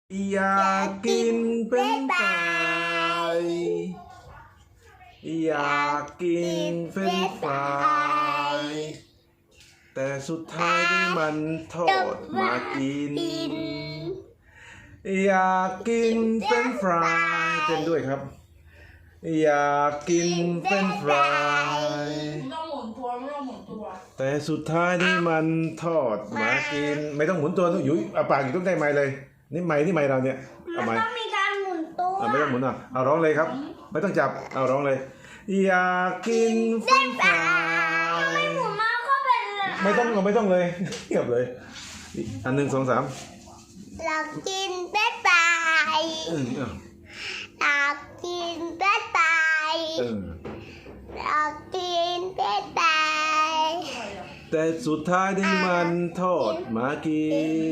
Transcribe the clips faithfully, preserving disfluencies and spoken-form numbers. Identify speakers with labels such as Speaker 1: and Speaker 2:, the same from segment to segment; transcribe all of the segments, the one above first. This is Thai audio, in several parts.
Speaker 1: อยากกินเป็นไฟรายอยากกินเป็นไฟรายแต่สุดท้ายที่มันโทษมากินอยากกินเป็นไฟรายเต้นด้วยครับอยากกินเป็นไฟรายแต่สุดท้ายที่มันทอดมากินไม่ต้องหมุนตัวต้องอยู่เอาปากอยู่ต้องได้ไม้เลยนี่ไม้นี่ไม้เราเนี่ยเอาไม้
Speaker 2: ต้องมีการหมุนตัว
Speaker 1: ไม่ต้องหมุนอ่ะเอาร้องเลยครับไม่ต้องจับเอาร้องเลยอยากกินเฟรนช์ฟราย
Speaker 2: ไม่หมุนมาก็เป็น
Speaker 1: ไม่ต้องไม่ต้องเลยเงียบเลยอันหนึ่งสองสาม
Speaker 2: อยากกินเป็นไฟอยากกินเป็นไฟอยากกินเป็นไฟ
Speaker 1: แต่สุดท้ายที่มันทอดมากิน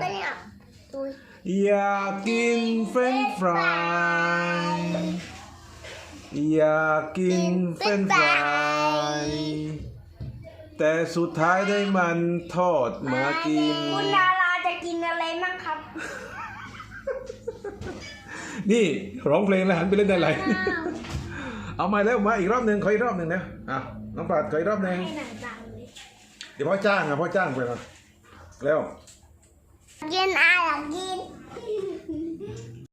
Speaker 1: อยากกินเฟรนช์ฟรายอยากกินเฟรนช์ฟรายแต่สุดท้ายได้มันทอดมากิน
Speaker 2: คุณดาราจะกินอะไรบ้างครับ
Speaker 1: นี่ร้องเพลงแล้วหันไปเล่นอะไรเอามาแล้วมาอีกรอบหนึ่งขออีกรอบหนึ่งนะอ่ะน้องปราดขออีกรอบหนึ่งเดี๋ยวพ่อจ้างอ่ะพ่อจ้างไปนะแล้ว
Speaker 2: กินอะไรกิน